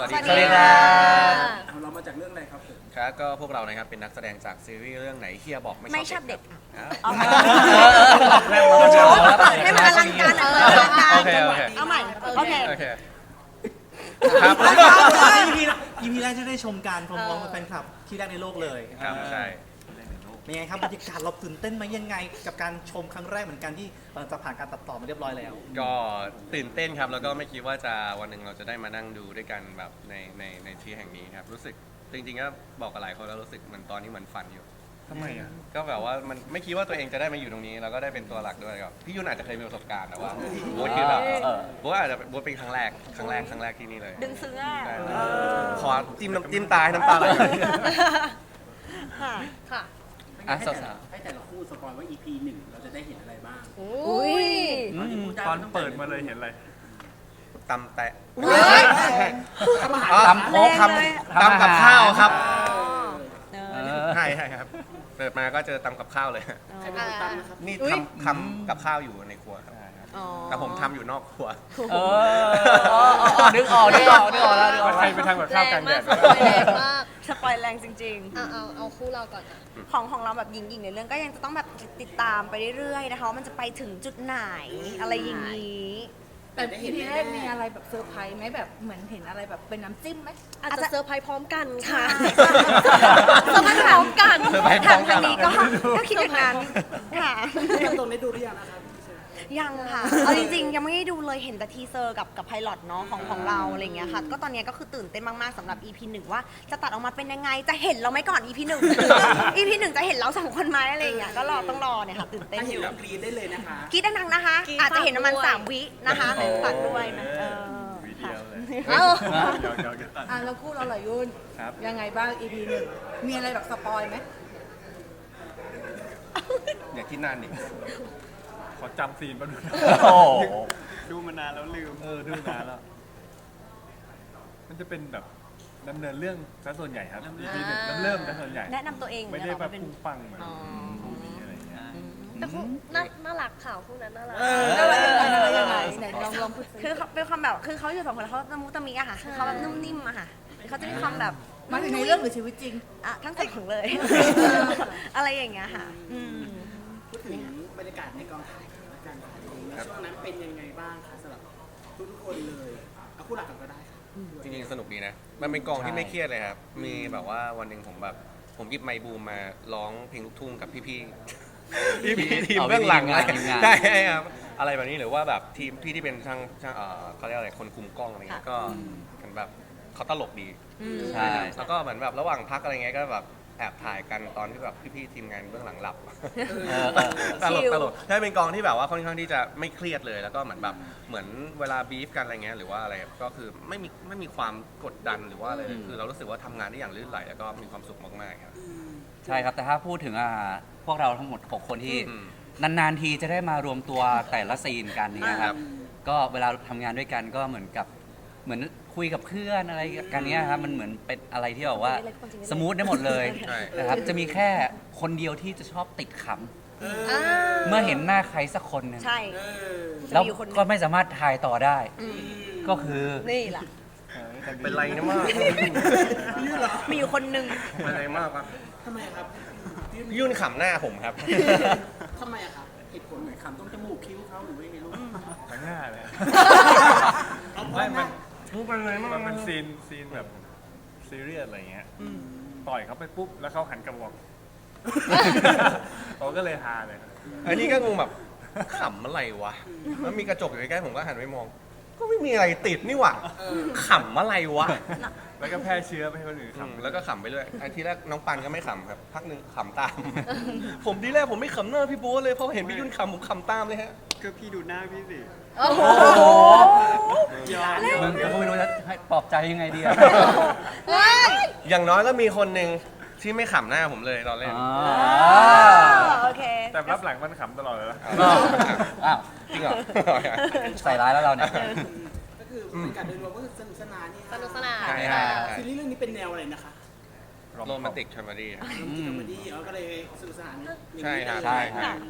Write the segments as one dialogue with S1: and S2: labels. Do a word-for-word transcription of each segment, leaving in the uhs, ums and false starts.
S1: วัสดี
S2: สวัสดีครับ
S3: เรามาจากเรื่องอะไรครับผม
S1: ครับก็พวกเรานะครับเป็นนักแสดงจากซีรีส์เรื่องไหนเฮียบอกไม่
S2: ไม่
S1: ช
S2: ช
S1: อ
S2: อ
S1: บบ เด็
S2: เด็
S1: ก
S2: ก
S1: อ้าว
S2: เอาใหม่
S1: แรกเราก็ชอบ
S2: เปิดให้มันอลังการเอออลังการ
S1: โอเคโอเค
S2: เอาใหม่โอเค
S1: โอเคครับ
S3: อีพีอีพีแรกจะได้ชมการพร้อมๆกับแฟนคลับที่แรกในโลกเลย
S1: ครับใช่
S3: เป็นไงครับบรรยากาศเราตื่นเต้นไหมยังไง กับการชมครั้งแรกเหมือนกันที่เอ่อจะผ่านการตัดต่อมาเรียบร้อยแล้ว
S1: ก็ตื่นเต้นครับแล้วก็ไม่คิดว่าจะวันหนึ่งเราจะได้มานั่งดูด้วยกันแบบในในในที่แห่งนี้ครับรู้สึกจริงๆก็บอกกับหลายคนแล้วรู้สึกเหมือนตอนนี้เหมือนฝันอยู่
S4: ทำไมอ่ะ
S1: ก็แบบว่ามันไม่คิดว่าตัวเองจะได้มาอยู่ตรงนี้แล้วก็ได้เป็นตัวหลักด้วยก็พี่ยุ่นอาจจะเคยมีประสบการณ์แต่ว่าโบ๊ทคือแบบ
S2: เออ
S1: โบ๊ทอาจจะโบ๊ทเป็นครั้งแรกครั้งแรกครั้งแรกที่นี่เลย
S2: ดึงซึ้งอ่ะ
S1: ใช่
S2: เออ
S1: ขอจิ้มน้ำจิ้มตาให้น้ำตาไหล
S2: ค่ะ
S5: ค่ะ
S1: อ่ะ
S3: ให้
S1: สา
S3: แต่
S1: ว
S3: ละให้แต่ละคู่สปอยว่า อี พี หนึ่งเราจะได้เห็นอะไรบ้าง
S2: อุ้ย
S4: ตอนเปิดมาเลยเห็นอะไร
S1: ๆตำแตะ
S2: เฮ้ย
S1: อ๋อ
S2: ตำโค้ก
S1: ทำตำกับข้าวครับ
S2: เอ
S4: เอ
S2: อ
S4: อ
S1: ใช่ใช่ครับเปิดมาก็เจอตำกับข้าวเลย
S3: ใครเป็นคนตามนะครับ
S1: นี่
S5: อุ๊ย
S1: ทำทำกับข้าวอยู่ในครัวครับ
S2: อ๋อ
S1: แต่ผมทำอยู่นอกครัว
S2: เออนึกออกนึกออกนึกออกแล้วนึกออก
S4: ใคร
S2: แล้ว
S4: ไปทำกับ
S5: แร
S4: ข้าว
S5: ง
S4: กลางแด
S5: มาก
S4: ด
S5: สปอยแรงมาก
S2: สปอยแรงจริง
S5: เอาเอาเอาคู่เราก่อนอ่ะ
S2: ๆ ของของเราแบบหญิงๆในเรื่องก็ยังจะต้องแบบติดตามไปเรื่อยๆนะคะว่ามันจะไปถึงจุดไหนอะไรอย่างนี้
S6: แต่ทีแรกมีอะไรแบบเซอร์ไพรส์ไหมแบบเหมือนเห็นอะไรแบบเป็นน้ำจิ้มไหม
S5: อาจ
S2: อาจ
S5: จะ
S2: จะ
S5: เซอร์ไพรส์พร้อมกัน
S2: ค่ะ
S5: ค่ะเซอร์ไพรส์พร้อมกัน
S1: เซอร์ไพรส์พร้
S2: ทา
S1: อง มกั
S2: ทาน งนี้ก็ก็คิดอย่างนั้นค่ะ
S3: ตรงได้ดูหรือยังนะครับ
S2: ยังค่ะ เอาจริงๆ ยังไม่ได้ดูเลยเห็นแต่ทีเซอร์กับกับไพลอตเนาะของของเราอะไรอย่างเงี้ยค่ะ ก็ตอนเนี้ยก็คือตื่นเต้นมากๆสำหรับ อี พี หนึ่งว่าจะตัดออกมาเป็นยังไง จะเห็นเราไหมก่อน อี พี หนึ่ง อี พี หนึ่งจะเห็นเราสองคนไหมอะไรอย่างเงี้ย ก็รอต้องรอเนี่ยค่ะตื่นเต้น
S3: ถ้า
S2: อ
S3: เห็น
S2: ยู่
S3: แล้วกรีดได้เลยนะคะ
S2: คิดดังๆนะคะ อาจจะเห็นประมาณสามวินะคะในฝากด้วยนะเออ
S4: วิดี
S2: ค่ะ
S4: โอเลย
S5: เอ้า
S4: เดี๋ยวเดี๋ยวเดี๋ยว
S6: อ่ะแล้วคู่เราเหรอยุ่น
S4: ครับ
S6: ยังไงบ้าง อี พี หนึ่งมีอะไรแบบสปอยไหม
S1: อย่าคิดนานดิ
S4: ขอจำซีนแป๊บนึง
S1: โอ้โห
S4: ดูมานานแล้วลืม เออ ดูนานแล้ว มันจะเป็นแบบดำเนินเรื่องซะส่วนใหญ่ครับ อี พี หนึ่ง
S2: อ่า
S4: เริ่มนะส่วนใหญ่
S2: แนะนำตัวเอง
S4: ไม่
S2: เนี่ย
S4: ได้
S2: เหรอ
S4: แบบ
S2: เป็น
S4: ปุ้งปังเหมือน
S2: อ๋อ
S4: คู่นี้อะไรอย่างเงี้ย
S5: แต่คู่น่าน่ารักข่าวคู่นั้นน่ารัก
S6: แล้วว่ายังไงแล้วยังไงไหนลองลองพูดสิ
S2: คือเขาเป็นความแบบคือเขาอยู่สองคนแล้วเขาตะมุตะมิอะค่ะเขาแบบนุ่มนิ่มอะค่ะเขาจะมีความแบบ
S6: หมายถึงในเรื่องหรือชีวิตจริง
S2: อ่ะทั้งสองเลย อะไรอย่างเงี้ยค่ะอืม
S3: พูดถึงบรรยากาศในกองถ่ายและการถ่ายเองแล้วช่วงนั้นเป็นยังไงบ้างคะสำหรับทุกๆคนเลยเอาคู่หลักก่อนก็ได้ค่ะ
S1: จริงๆสนุกดีนะ มันเป็นกองที่ไม่เครียดเลยครับ มีแบบว่าวันหนึ่งผมแบบผมหยิบไมค์บูมมาร้องเพลงลูกทุ่งกับพี่ๆ พี่ๆทีมเบื้องหลังอะไรใช่ครับอะไรแบบนี้หรือว่าแบบทีมพี่ที่เป็นช่างช่างเออเขาเรียกอะไรคนคุมกล้องอะไรเงี้ยก็เหมือนแบบเขาตลกดี
S2: ใช่
S1: แล้วก็เหมือนแบบระหว่างพักอะไรเงี้ยก็แบบแอบถ่ายกันตอนที่แบบพี่ๆทีมงานเบื้องหลังหลับตลกตลกใช่เป็นกองที่แบบว่าค่อนข้างที่จะไม่เครียดเลย แล้วก็เหมือนแบบเหมือนเวลาบีฟกันอะไรเงี้ยหรือว่าอะไรก็คือไม่มีไม่มีความกดดันหรือว่าอะไรเลยคือเรารู้สึกว่าทำงานได้อย่างลื่นไหลแล้วก็มีความสุขมากๆครับ
S7: ใช่ครับ แต่ถ้าพูดถึงอ่าพวกเราทั้งหมดหกคนที่
S1: อืม
S7: นานๆทีจะได้มารวมตัวแต่ละซีนกันอย่างเงี้ยครับ
S1: ครับ
S7: ก็เวลาทำงานด้วยกันก็เหมือนกับเหมือนคุยกับเพื่อนอะไรกันเนี้ยครับมันเหมือนเป็นอะไรที่แบบว่าสมูทได้หมดเลย
S1: ใช่
S7: นะครับจะมีแค่คนเดียวที่จะชอบติดขำเมื่อเห็นหน้าใครสักคนหนึง
S2: ใช่
S7: แล้ว
S2: จะมีอยู่คนหนึ่ง
S7: ก็ไม่สามารถทายต่อได้ ก็คือ
S2: นี่แหละ
S1: เป็นไรนะมาก
S2: มีอยู่คนหนึ่ง
S1: เป็นไรมากครับ
S3: ทำไมครับ
S1: พี่ยุ่นขำหน้าผมครับ
S3: ทำไมอะครับเหตุผลไหนคำต้องจมูกคิ้วเขาหรือว่ายังไงลูก
S4: ทั้งหน้าเลย
S3: เอา
S4: ไม่ มัน
S1: เป็นไรมาก
S4: มันเป็นซีน ซีนแบบซีเรียสอะไรเงี้ย ต่อยเขาไปปุ๊บ แล้วเขาหันกลับมาบอกเขาก็เลยฮาเลยครับ
S1: อันนี้ก็งงแบบขำอะไรวะแล้วมีกระจกอยู่ใกล้ๆผมก็หันไปมอง ก็ไม่มีอะไรติดนี่หว่าขำอะไรวะ
S4: แล้วก็แพร่เชื้อไปให้คนอื่น
S1: ขำ
S4: ขำ
S1: แล้วก็ขำไปเรื่อยไอ้ทีแรกน้องปันก็ไม่ขำครับ พักหนึ่งขำตาม ผมทีแรกผมไม่ขำหน้าพี่โบ๊ทเลยเพราะเห็นพี่ยุ่นขำผมขำตามเลยฮะ
S4: ก็พี่ดูหน้าพี่สิ
S5: โอ้โห
S7: มันก็ไม่รู้จะให้ปลอบใจยังไงดีอะ
S1: อย่างน้อยก็มีคนหนึ่งที่ไม่ขำหน้าผมเลยตอนเล่น
S7: อ๋อ
S2: โอเค
S4: แต่รับหลังมันขำตลอดเลยนะ
S7: อ้าว
S1: จริงเหรอ
S7: ใส่ร้ายแล้วเราเนี่ย
S3: ก็คือบรรยากาศโดยรวมก็คือสนุกสนานนี่
S5: สนุกสนาน
S1: ใช่ใช่ใช่
S3: ซีรีส์เรื่องนี้เป็นแนวอะไรนะคะ
S1: โรแมนติกคอมเมดี้
S3: คอมเมดี้เออก็เลยสนุกสนาน
S1: ใช่ครับ
S7: ใช่ครับ
S3: ค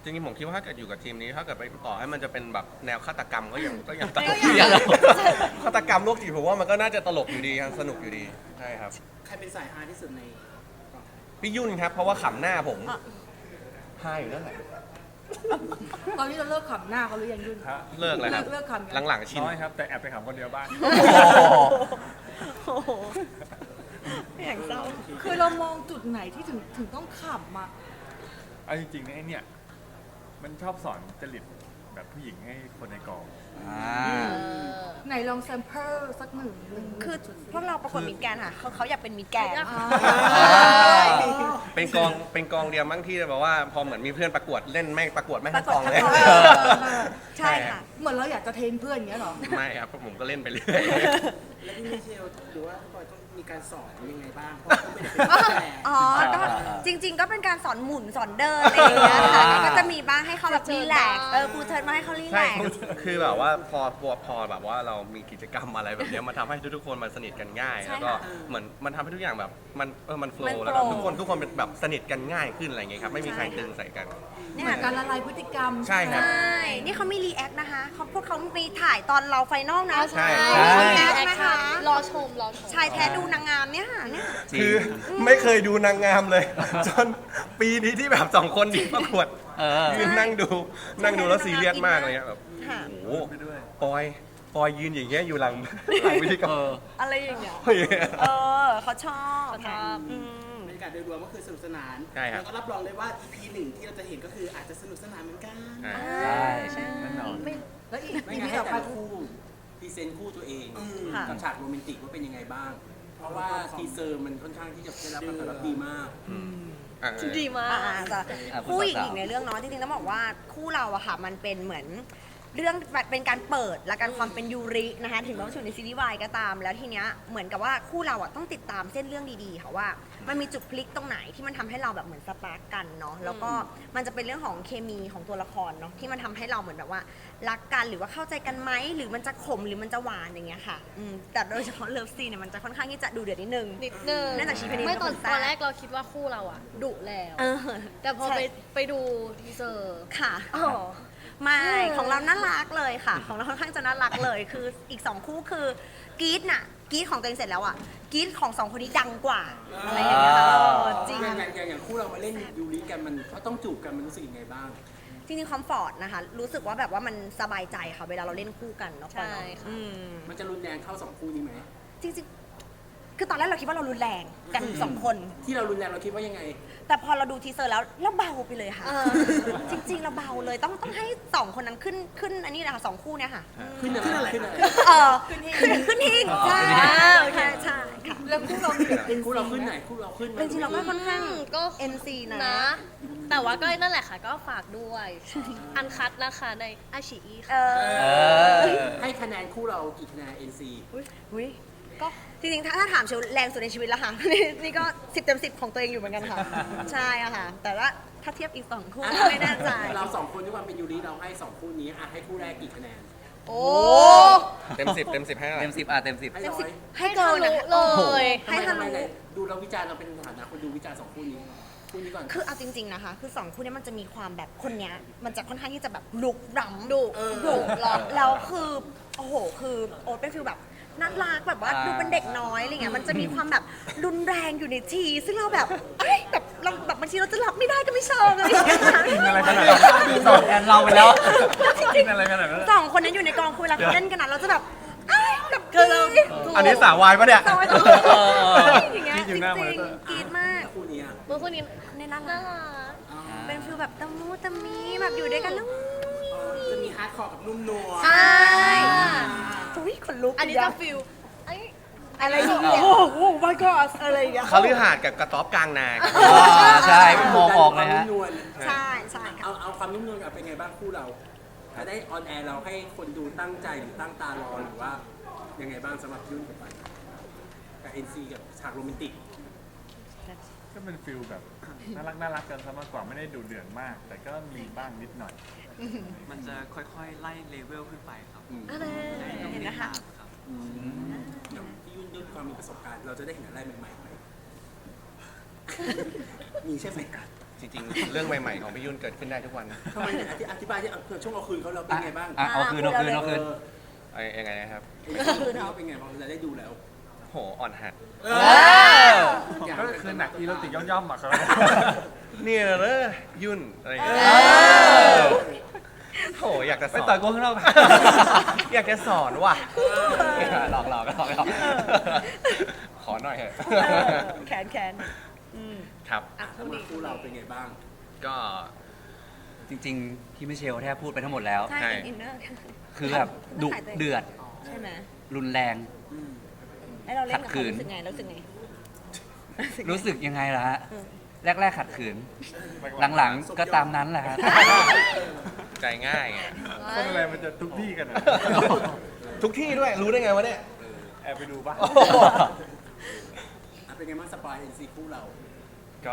S1: จริงๆผมคิดว่าถ้าเกิดอยู่กับทีมนี้ถ้าเกิดไปต่อให้มันจะเป็นแบบแนวฆาตกรรมก็ยังก็ยังตลกอยู่ฆาตกรรมโรคจิตผมว่ามันก็น่าจะตลกอยู่ดียังสนุกอยู่ดีใช่ครับ
S3: ใครเป็นสายฮาที่สุดในกองถ่าย
S1: พี่ยุ่นครับเพราะว่าขำหน้าผมฮาอยู่นั่นแหละ
S6: ตอนนี้เราเลิกขำหน้าเขาหรือยังยุ่น
S4: ฮะ
S1: เลิกเลยครับ
S6: เลิกขำยัง
S1: หลังๆชิน
S4: น้อยครับ แต่แอบไปขำคนเดียวบ้าง
S2: โอ้โหอย่างเศร้า
S6: คือเรามองจุดไหนที่ถึงถึงต้องขำอ่ะ
S4: เอาจริงๆนะไอ้เนี่ย มันชอบสอนจริตแบบผู้หญิงให้คนในกอง
S7: อ่า
S6: ไหนลองแซมเปิลสักหนึ่งหนึ่ง
S2: คือพวกเราประกวดมิดแกรนด์ค่ะเขาเขาอยากเป็นมิดแกรนด์
S6: อ่า
S1: เป็นกองเป็นกองเดียวมั้งที่แบบว่าพอเหมือนมีเพื่อนประกวดเล่นแม่งประกวดแม่งทั้งกองเลย
S2: ประกวดทั้งกอง ใช่ค่ะ
S6: เหมือนเราอยากจะเทรนเพื่อนอย่างเงี้ยเหรอ
S1: ไม่ครับผมก็เล่นไปเรื่อย
S3: แล้วพี่มิเชลหรือว่าพี่บอยต้องมีการสอนยังไงบ้างเพราะว่าเขาไม่ได้เป็นผู้แปล
S2: อ๋อก็จริง ๆ ก็เป็นการสอนหมุนสอนเดินอะไรอย่างเงี้ยค่ะก็จะมีบ้างให้เขาแบบรีแลกซ์เออครูเชิญมาให้เขารีแล
S1: ใช่
S2: กซ์
S1: คือคือแบบว่าพอพอพอแบบว่าเรามีกิจกรรมอะไรแบบเนี้ยมันทำให้ทุกๆคนมันสนิทกันง่าย
S2: ใช่
S1: แล้วก็
S2: ค่ะ
S1: เหมือนมันทำให้ทุกอย่างแบบมันเออมันโฟ
S2: มัน
S1: ล์
S2: flow
S1: แล้วก็ทุกคนทุกคนเป็นแบบสนิทกันง่ายขึ้นอะไรเงี้ยครับไม่มีใคร
S2: ใช่
S1: ตึงใส่กัน
S2: เนี่
S6: เหมื
S2: ย
S6: อนการละลายพฤติกรรม
S1: ใช่ครับ
S2: ใช่นี่เขามีรีแอคนะคะเขาพวกเขามีถ่ายตอนเราไฟนอลนะ
S1: ใช่
S2: มีรี
S5: แอ
S2: แอคนะคะ
S5: รอชม รอชม
S2: ชายแท้ดูนางงามเนี่ยค่ะเนี่ย
S7: จริง
S1: คือไม่เคยดูนางงามเลย จนปีนี้ที่แบบสองคนดีประกวด
S7: เออ
S1: ยืนนั่งดูนั่งดูแล้วซีเรียสมากเลยอะแบบ
S2: ค่ะ
S1: โอ้โหปอยปอยยืนอย่างเงี้ยอยู่หลังหลังวิธีกร
S7: เออ
S2: อะไรอย่างเงี้ย
S1: เฮ้ย
S2: เออเขาชอบ
S5: เขาชอบ
S2: อืม
S3: บรรยากาศโดยรวมก็คือสนุกสนาน
S1: ใช่ครับ
S3: แล้วก็รับรองได้ว่า อี พี หนึ่งที่เราจะเห็นก็คืออาจจะสนุกสนานเหมือนกัน
S1: อ่า
S7: ใช่
S4: แน่นอน
S6: แล้วอีก
S8: ไม่
S6: อี
S8: งั้น
S6: พี
S8: ให้
S6: ต่อไป
S8: แต่ละคู่พรีเซนต์คู่ตัวเอง
S3: อืม
S2: ค่ะ
S8: กับฉากโรแมนติกว่าเป็นยังไงบ้าง เพราะว่าทีเซอร์มันค่อนข้างที่จะได้รับการตอบรับดีมาก
S1: อ่า
S5: ดีมาก
S2: อ่าจะ
S7: อ่ะ
S2: คู่หญิง
S7: พูดต่อ
S2: อีกในเรื่องเนาะจริงๆต้องบอกว่าคู่เราอะค่ะมันเป็นเหมือนเรื่องเป็นการเปิดและการความเป็นยูรินะคะถึงแม้ว่าจะอยู่ในซีรีส์วายก็ตาม แล้วทีเนี้ยเหมือนกับว่าคู่เราอะต้องติดตามเส้นเรื่องดีๆค่ะว่ามันมีจุดพลิกตรงไหนที่มันทำให้เราแบบเหมือนสปาร์กกันเนาะแล้วก็มันจะเป็นเรื่องของเคมีของตัวละครเนาะที่มันทำให้เราเหมือนแบบว่ารักกันหรือว่าเข้าใจกันไหมหรือมันจะขมหรือมันจะหวานอย่างเงี้ยค่ะอืมแต่โดยเฉพาะเลิฟซีนเนี่ยมันจะค่อนข้างที่จะดูเดือดนิดนึง
S5: นิดนึง
S2: เนื่องจากชีพนี้
S5: ไม่ตอน
S2: เป็นคนแซ่บ
S5: ตอนแรกเราคิดว่าคู่เราอ่ะดุแล้ว
S2: เออ
S5: แต่พอ
S2: ใช่
S5: ไปไปดูทีเซอร์
S2: ค่ะ
S5: อ๋อ
S2: ไม่
S5: เออ
S2: ของเราน่ารักเลยค่ะ ของเราค่อนข้างจะน่ารักเลยคืออีกสองคู่คือกรีดน่ะกรีดของตัวเองเสร็จแล้วอ่ะกรีดของสองคนนี้ดังกว่าอะไรอย่างเงี้ยค่ะเออจริง
S8: อย่างอย่างอย่างคู่เรามาเล่นยูริกันมันเขาต้องจูบกันมันรู้สึกยังไงบ้าง
S2: จริงๆคอมฟอร์ตนะคะรู้สึกว่าแบบว่ามันสบายใจค่ะเวลาเราเล่นคู่กันเนาะ
S5: ใช่
S2: ปอยเนาะ
S5: ค่ะ
S2: อืม
S8: มันจะรุนแรงเข้าสองคู่นี้ไหม
S2: จริงๆคือตอนแรกเราคิดว่าเรารุนแรงกันสองคน
S8: ที่เรารุนแรงเราคิดว่ายังไง
S2: แต่พอเราดูทีเซอร์แล้วเราเบาไปเลยค่ะ
S5: เออ
S2: จริง ๆ เราเบาเลยต้องต้องให้สองคนนั้นขึ้นขึ้นอันนี้แหละค่ะสองคู่เนี่ยค่ะ
S8: ขึ้นอะไรขึ้นอะไร
S2: เออขึ้นหิ้งขึ้นหิ้งใช่ใช่ใช่ค่ะ
S6: แล้วคู่เรามีแบบเป็น
S8: คู่เราขึ้นไหนคู่เราขึ้นไหม
S2: จริงๆเราก็ค่อนข้าง
S5: ก็
S2: เอ็น ซี นะ
S5: นะ แต่ว่าก็นั่นแหละค่ะก็ฝากด้วย อันคัดนะคะในอาชีอี
S2: เอ
S5: ค่ะ
S2: อ
S7: เออ
S8: ให้คะแนนคู่เรากี่คะแนน เอ็น ซี
S2: อุ๊ยก็จริงๆถ้าถ้าถามเชลแรงสุดในชีวิตแล้วค่ะ นี่นี่ก็สิบเต็มสิบของตัวเองอยู่เหมือนกันค่ะ ใช่อะค่ะ แต่ว่าถ้าเทียบอีกสองคู่ไม่แน่ใจ
S8: เราสองคนด้วยความเป็นยูริเราให้สองคู่นี้อ่ะให้คู่แรกกี่คะแนน
S2: โอ้
S1: เต็มสิบเต็มสิบให้อะไร
S7: เต็มสิบอ่ะเต็มสิบ
S8: ให้
S2: เต็ม
S8: ร้อ
S2: สิบ
S8: ย
S2: ให้เกินนะคะ
S5: เลย
S8: ทำ
S2: ให้
S8: ไม
S2: ทะ
S8: ทำไม
S2: ลุ
S8: ไหนดูเราวิจารณ์เราเป็นฐานะคนดูวิจารณ์สองคู่นี้คู่นี้ก่อน
S2: คือเอาจริง ๆนะคะ คือสองคู่เนี้มันจะมีความแบบคนเนี้ยมันจะค่อนข้างที่จะแบบลุกรำดุ
S8: เออ
S2: ดุแล้วแล้วคือโอ้โหคือโอ๊ตเป็นฟิลแบบน่ารักแบบว่า
S7: อ่า
S2: ดูเป็นเด็กน้อยอะไรเงี้ยมันจะมีความแบบรุนแรงอยู่ในทีซึ่งเราแบบเอ้ยแบบเราแบบบางทีเราจะรับไม่ได้ก็ไม่ชอบอะไรอย่างเงี้ยค่ะ
S4: กินอะไรขนาดนั้น
S7: สอนแทนเราไปแล้ว
S4: กินอะไรขนาดนั้น
S2: สองคนนั้นอยู่ในกองคุยแล้วเขาเล่นกันนะเราจะแบบเอ้ยแบบกรี๊ด
S1: อันนี้สาววายปะเนี่ย
S2: สาววาย
S7: เออ
S2: อย่างเงี้ย
S4: กรี๊ดอยู่หน้าเหมือน
S2: จริงๆกรี๊ดมาก
S8: คู่นี้อ่ะ
S5: เมื่อคู่นี้
S2: ในน่า
S5: น่า
S2: รัก
S5: รัก
S2: เป็นฟิลแบบตะมูตะมีแบบอยู่ด้วยกันแล้ว
S3: จะมีฮาร์ดคอร์กับนุ่มนวล
S2: ใช่อุ้ยขนลุก
S5: อันนี้จะฟิลไอ้
S2: อะไรอย่างเงี้ยโอ้โห my god อะไรอย่างเงี้ย
S1: เขาลือหาดกับกระต๊อบกลางนา
S7: อ่าใช่มองออกเลยฮะ
S8: ความนุ่มนวล
S2: ใช่ใช่ค่ะ
S8: เอาเอาความนุ่มนวลกับเป็นไงบ้างคู่เรา ถ้าได้ออนแอร์เราให้คนดูตั้งใจหรือตั้งตารอหรือว่ายังไงบ้างสำหรับยุ่นกับไปกับ เอ็น ซี กับฉากโรแมนติก
S4: ก็เป็นฟิลแบบน่ารักน่ารักกันซะมากกว่าไม่ได้ดูเดือดมาก แต่ก็มีบ้างนิดหน่อย
S9: มันจะค่อยๆ ไล่เลเวลขึ้นไปครับ
S5: อะไร
S2: เห็นนะคะ
S9: ครับ
S8: อย่างที่ยุ่นด้วยความมีประสบการณ์ เราจะได้เห็นอะไรใหม่ๆไหม มีใช่ไหม
S1: จริงๆ เรื่องใหม่ๆของพี่ยุ่นเกิดขึ้นได้ทุกวัน
S8: ทำไมเนี่ยอธิอธิบายที่เผื่อช่วงเอาคืนเขาเราเป็นไงบ้าง
S7: อ่ะเอาคืนเอาคืนเอาคืน
S1: ไอ้ยังไงนะครับ
S8: เอาคืนเขาเป็นไงบ้างเราได้ดูแล้ว
S1: โหอ่อนหัด
S8: เอ
S4: ก็คือหนักอีโรติกย่อมๆอ่ะครับ
S1: เนี่ยเลยยุ่นอะไรอย่างเงี้ยโหอยากจะส
S4: ไป
S1: อน
S4: ต่อยกูข้างนอกไป
S1: อยากจะสอนว่ะหลอกหลอกหลอกหลอกขอหน่อยเถอะ
S2: แขนแขนอืม
S1: ครับ
S2: อ่ะ
S8: แล้ว
S2: พูด
S8: มา
S2: ดี
S8: คู่เราเป็นไงบ้าง
S1: ก็
S7: จริงๆพี่มิเชลแทบพูดไปทั้งหมดแล้ว
S2: ใช่
S1: ใช่
S2: อินเนอร์
S7: คือแบบดุเดือด
S2: ใช่ไหม
S7: รุนแรง
S8: อืม
S2: แล้วเราเล่นกับ
S7: ขัดขื
S2: เขา
S7: น
S2: รู้สึกไงรู้สึกไง
S7: รู้สึกยังไงล่ะฮะ
S2: เออ
S7: แรกๆขัดขืน หลังๆ ก็ตามนั้นแหละครับ
S1: ใจง่ายไง
S4: คนอะไรมันจะทุกที่กันอะ
S1: ทุกที่ด้วยรู้ได้ไงวะเนี่ย
S4: แอบไปดูป่ะ
S8: อ่ะเป็นไงบ้างสปอยเอ็นซีคู่เรา
S1: ก็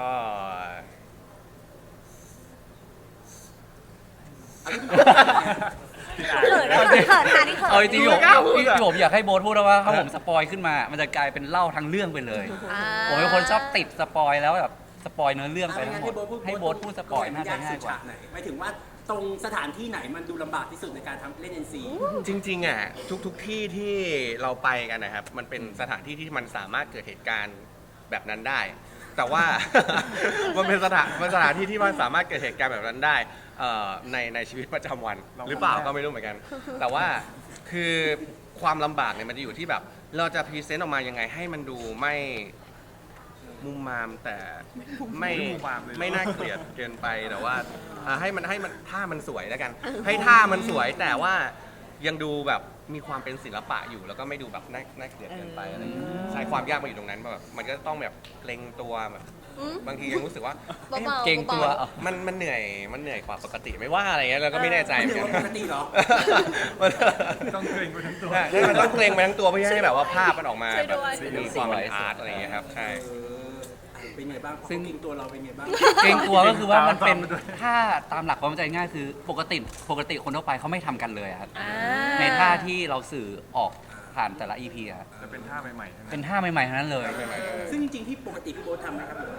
S2: เขินเขินเขินหาที่เขิน
S7: เอาจริงๆผม
S1: ไม่กล้าพูด
S7: พี่
S1: อะ
S7: ผมอยากให้โบ๊ทพูดแล้วว่าถ้าผมสปอยขึ้นมา มันจะกลายเป็นเล่าทั้งเรื่องไปเลย
S2: อ่า
S7: ผมเป็นคนชอบติดสปอยแล้วแบบสปอยเนื้อเรื่องไป
S8: อ่ะ
S7: ทั้งหม
S8: ให้
S7: ด
S8: โบ๊ทพูด
S7: ให้โบ๊ทพูดสปอยน่าจะ
S8: ก
S7: ง่าย
S8: สุด
S7: กว่า
S8: ฉากไหนหมายถึงว่าตรงสถานที่ไหนมันดูลำบากที่สุดในการทำเล่นเอ็นซี
S1: จริงๆอ่ะทุกทุกๆที่ที่เราไปกันนะครับ มันเป็นสถานที่ที่มันสามารถเกิดเหตุการณ์แบบนั้นได้ แต่ว่า มันเป็นสถานเป็นสถานที่ที่มันสามารถเกิดเหตุการณ์แบบนั้นได้เอ่อในในชีวิตประจำวัน หรือเปล่าก็ไม่รู้เหมือนกัน แต่ว่าคือความลำบากเนี่ยมันจะอยู่ที่แบบ เราจะพรีเซนต์ออกมายังไงให้มันดูไม่มุมมามแต่ไม่
S4: ไม่มุมมามเลยเหรอ
S1: ไม่น่าเกลียดเกินไปแต่ว่าอ่าให้มันให้มันท่ามันสวยแล้วกัน ให้ท่ามันสวยแต่ว่ายังดูแบบมีความเป็นศิลปะอยู่แล้วก็ไม่ดูแบบน่าน่าเกลียดเกินไปอะไรอย่างเงี้ยใช่ความยากมาอยู่ตรงนั้นแบบมันก็ต้องแบบเกรงตัวแบบ
S5: อืม
S1: บางทียังรู้สึกว่า
S5: เบาๆ
S7: เก่งตัว
S5: เบา
S7: เอา
S1: มันมันเหนื่อยมันเหนื่อยกว่าปกติไม่ว่าอะไรเงี้ยเราก็ไม่แน่ใจเหมือนกัน
S8: ปกติเหรอ
S1: มัน
S4: ต้องเกรงไปทั้งตัว
S1: ใช่ใช่มันต้องเกรงไปทั้งตัวเพื่อให้แบบว่าภาพมันออกมา
S5: ช่วย
S1: แบบ
S5: ด้วย
S1: มีความเป็นอาร์ตอะไรอย่างเงี้ยครับใช่
S8: เออเป็นไงบ้าง
S7: ซึ่
S8: ซึ่
S7: ง
S8: งกิงตัวเราเป็นไงบ้าง
S7: เกรงกลัวก็คือว่ามันเป็น
S4: ตามไปด้วย
S7: ท่าตามหลักความเข้าใจง่ายคือปกติปกติคนทั่วไปเขาไม่ทำกันเลยอะครับ
S5: อ่า
S7: ในท่าที่เราสื่อออกผ่านแต่ละ อี พีอะครับ
S4: จะเป็นท่าใหม่ๆทั้ง
S7: เป็
S4: นั้น น
S7: ท่าใหม่ๆทั้งนั้นเลย
S8: ซึ่งจริงๆที่ปกติพี่โบ๊ททำไหมครับผม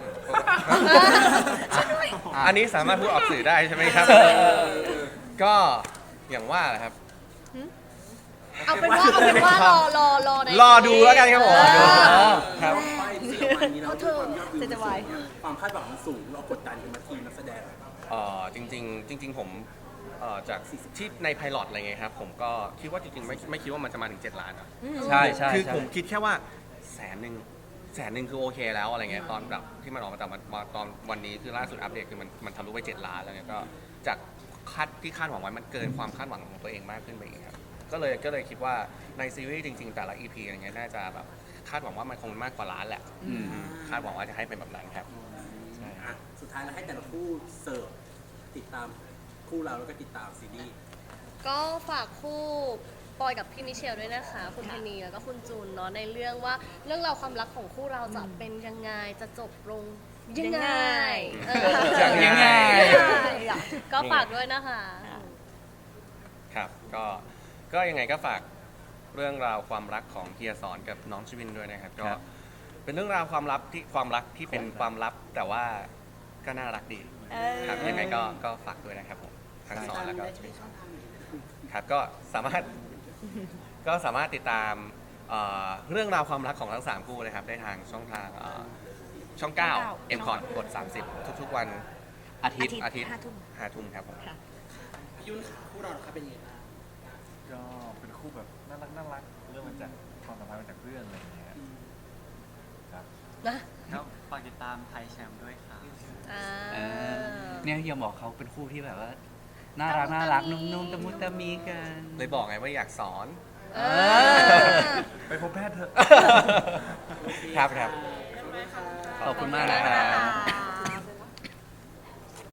S1: อันนี้สามารถพูดออกสื่อได้ใช่ไหมครับ ก็อย่างว่าแหละครับ
S5: เอาเป็นว่าเอาเป็นว่ารอรอรอใน
S1: รอดูแล้วกันครับผม
S5: เออ
S1: ครับ
S8: ไปเอ็นซีออกมาอย่างนี้เรา
S2: เอาเถ
S8: ด้วย
S2: อะ
S8: ความยอดวิว
S2: จะจะไหว
S8: ความคาดหวังมันสูงเรากดดันกันมาทีมนักแสดง
S1: เอ่อจริงๆจริง ๆ ผมเอ่อจากที่ในไพลอตอะไรเงี้ยครับผมก็คิดว่าจริงๆไม่ไม่คิดว่ามันจะมาถึงเจ็ดล้านอะ
S7: ใช่ใช่
S1: คือ
S7: ใช่
S1: ผมคิดแค่ว่าแสนหนึ่งแสนหนึ่งคือโอเคแล้วอะไรเงี้ยตอนแบบที่มันออกมาแต่มันมาตอนวันนี้คือล่าสุดอัปเดตคือมันมันทะลุไปเจ็ดล้านแล้วเนี่ยก็จากคาดที่คาดหวังไว้มันเกินความคาดหวังของตัวเองมากขึ้นไปอีกครับก็เลยก็เลยคิดว่าในซีรีส์จริง ๆ แต่ละ อี พีอะไรเงี้ยน่าจะแบบคาดหวังว่ามันคงมากกว่าล้านแหละ
S7: อืม
S1: อืมคาดหวังว่าจะให้เป็นแบบนั้นครับ ใช่
S8: อ่ะสุดท้ายแล้วให้แต่ละคู่เสิร์ฟติดตามคู่เราแล้วก็ติดตามซีรีส์
S5: ก็ฝากคู่ปอยกับพี่มิเชลด้วยนะคะ คุณเพนนีแล้วก็คุณจูนเนาะในเรื่องว่าเรื่องราวความรักของคู่เราจะเป็นยังไงจะจบลงยังไงเออ
S1: จะยังไง
S5: ก็ฝากด้วยนะคะ
S1: ครับก็ก็ยังไงก็ฝากเรื่องราวความรักของเฮียสอนกับน้องชวินด้วยนะครับก็
S7: ครับ
S1: เป็นเรื่องราวความลับที่ความรักที่เป็นความลับแต่ว่าก็น่ารักดีครับยังไงก็ก็ฝากด้วยนะครับผมทั้งสอนแล้วก็ชวินครับก็สามารถก็สามารถติดตามเอ่อเรื่องราวความรักของทั้งสามคู่นะครับได้ทางช่องทางเอ่อช่องเก้า เอ็ม คอร์ด กด สามสิบ ทุกๆวัน
S7: อาทิตย์
S1: อาทิตย์
S2: ห้าทุ่ม
S1: ห้าทุ่มครับผม
S3: พี่ยุ่นขาคู่เราเหรอครับเป็นยังไงบ้าง
S4: ก็เป็นคู่แบบน่ารักน่ารักเรื่องมันจากความสัมพันธ์มาจากเพื่อนอะไรอย่างเงี้ยครับ
S5: นะ
S9: ก็ฝากติดตามไทยแชมป์ด้วยครับ
S5: อ่า
S7: เออเนี่ยเฮียบอกเขาเป็นคู่ที่แบบว่าน่ารักน่ารักนุ่มๆตะมุตะมีกัน
S1: เลยบอกไงว่าอยากสอน
S5: เออ
S4: ไปพบแพทย์เถอะ
S1: ครับครับ
S7: ขอบคุณมากนะครับ
S2: ค่ะ